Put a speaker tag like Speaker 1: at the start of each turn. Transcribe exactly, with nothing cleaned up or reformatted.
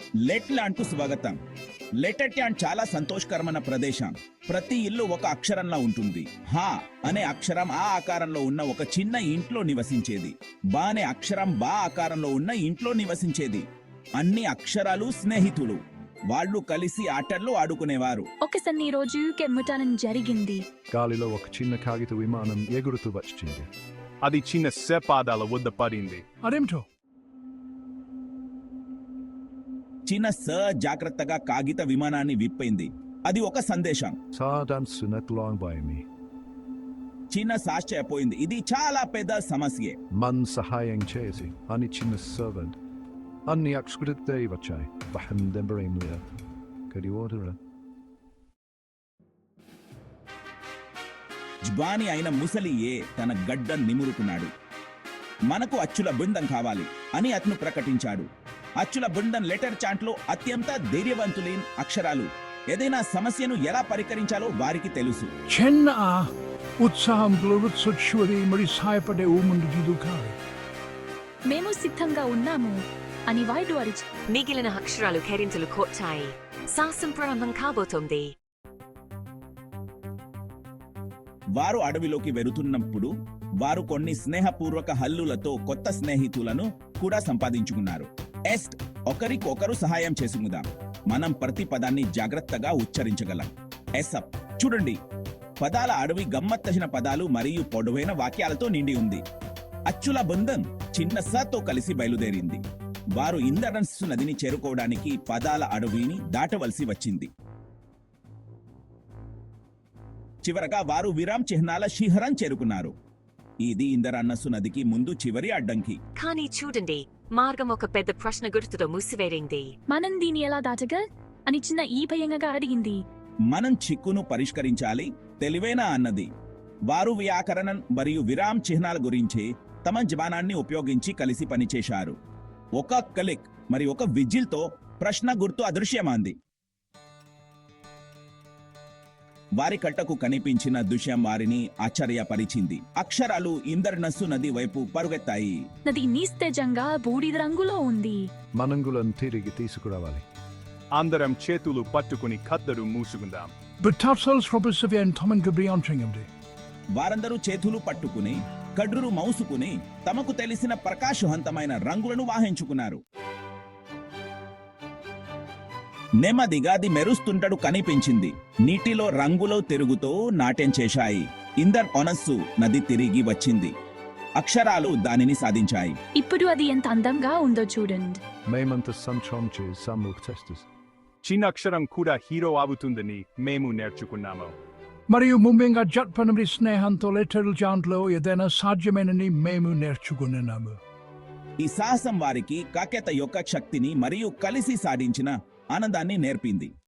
Speaker 1: Let land కు స్వాగతం. Letter land చాలా సంతోషకరమైన ప్రదేశం. ప్రతి ఇల్లు ఒక అక్షరంలో ఉంటుంది. హా అనే అక్షరం ఆ ఆకారంలో ఉన్న ఒక చిన్న ఇంట్లో నివసించేది. బా అనే అక్షరం బా ఆకారంలో ఉన్న ఇంట్లో నివసించేది. అన్ని అక్షరాలు స్నేహితులు. వాళ్ళు కలిసి ఆటల్లో ఆడుకునేవారు.
Speaker 2: ఒకసారి ఈ రోజు కెమ్ముటానం జరిగింది.
Speaker 3: గాలిలో ఒక చిన్న కాగిత విమానం ఎగురుతూ వచ్చింది.
Speaker 4: అది చిన్న సేపాదాల వద్ద పడింది.
Speaker 3: అదేమిటో?
Speaker 1: చిన్న స జాగ్రత్తగా కాగిత విమానాన్ని విప్పింది. అది ఒక సందేశం.
Speaker 3: సాధాన్సునట్లాంగ్
Speaker 1: చిన్న సాశ్చర్యపోయింది. ఇది చాలా పెద్ద సమస్యే.
Speaker 3: మన్ సహాయం చేసి అని చిన్న సర్వెంట్ అన్ని అక్షరాలే వచ్చాయి. బహం దెంబరేం లేదు. కడి ఓటరా
Speaker 1: జ్బాని అయిన ముసలియే తన గడ్డ నిమురుకున్నాడు. మనకు అచ్చుల బృందం కావాలి అని అతను ప్రకటించాడు. అచ్చుల బృందం లెటర్ చాంట్లో అత్యంత ధైర్యవంతులైన అక్షరాలు. ఏదైనా సమస్యను ఎలా పరికరించాలో వారికి తెలుసు.
Speaker 5: చిన్న ఉత్సాహంలో రుత్సొచ్చువది మరి సహాయపడే ఊముండు కాదు.
Speaker 2: మేము సిద్ధంగా ఉన్నాము అని వాయిడు అరిచి
Speaker 6: మిగిలిన అక్షరాలు కేరింతలు కొట్టాయి. శాసం ప్రారంభం కాబోతోంది.
Speaker 1: వారు అడవిలోకి వెళుతున్నప్పుడు వారు కొన్ని స్నేహపూర్వక హల్లులతో కొత్త స్నేహితులను కూడా సంపాదించుకున్నారు. ఎస్ట్ ఒకరికొకరు సహాయం చేసుకుందాం. మనం ప్రతి పదాన్ని జాగ్రత్తగా ఉచ్చరించగలం. ఎసప్ చూడండి, పదాల అడవి గమ్మత్తైన పదాలు మరియు పొడవైన వాక్యాలతో నిండి ఉంది. అచ్చుల బృందం చిన్న సతో కలిసి బయలుదేరింది. వారు ఇంద్రధనుస్సు నదిని చేరుకోవడానికి పదాల అడవిని దాటవలసి వచ్చింది. చివరగా వారు విరామ్ చిహ్నాల శిఖరం చేరుకున్నారు. ఇది ఇంద్రధనుస్సు నదికి ముందు చివరి అడ్డంకి.
Speaker 6: కానీ చూడండి, మార్గం ఒక పెద్ద ప్రశ్న గుర్తుతో మూసివేరింది.
Speaker 2: మనం దీన్ని ఎలా దాటగా అని చిన్న ఈ భయంగా అడిగింది.
Speaker 1: మనం చిక్కును పరిష్కరించాలి తెలివేనా అన్నది. వారు వ్యాకరణం మరియు విరామ్ చిహ్నాల గురించి తమ జ్ఞానాన్ని ఉపయోగించి కలిసి పనిచేశారు. ఒక క్లిక్ మరి ఒక విజిల్తో ప్రశ్న గుర్తు అదృశ్యమాంది. వారి కట్టకు కనిపించిన దృశ్యం వారిని ఆశ్చర్యపరిచింది. అక్షరాలు ఇంద్రధనుస్సు నది వైపు పరుగెత్తాయి.
Speaker 2: నది నిస్తేజంగా బూడిద రంగులో ఉంది.
Speaker 3: మనంగులను తిరిగి తీసుకురావాలి.
Speaker 4: అందరం చేతులు పట్టుకుని khaddar మూసుకుందాం.
Speaker 5: Betatels Robert Tommen Gabriel
Speaker 1: వారందరూ చేతులు పట్టుకుని కడ్రురు మౌసుకుని తమకు తెలిసిన ప్రకాశవంతమైన రంగులను వాహించుకున్నారు. నెమ్మదిగా అది మెరుస్తుంటడు కనిపించింది. నీటిలో రంగులో తిరుగుతూ నాట్యం చేశాయి. ఇంద్రధనుస్సు నది తిరిగి వచ్చింది. అక్షరాలు దానిని సాధించాయి.
Speaker 2: ఇప్పుడు అది ఎంత అందంగా ఉందో చూడండి.
Speaker 3: మేమంతా సంచం చేసి సమూహ
Speaker 4: చిన్న అక్షరం కూడా హీరో అవుతుందని మేము నేర్చుకున్నాము.
Speaker 5: మరియు ముఖ్యంగా జట్పనమి స్నేహంతో లెటర్ జాంట్లో ఏదైనా సాధ్యమేనని మేము నేర్చుకున్నాము.
Speaker 1: ఈ సాహసం వారికి కాకెత యొక్క శక్తిని మరియు కలిసి సాధించిన ఆనందాన్ని నేర్పింది.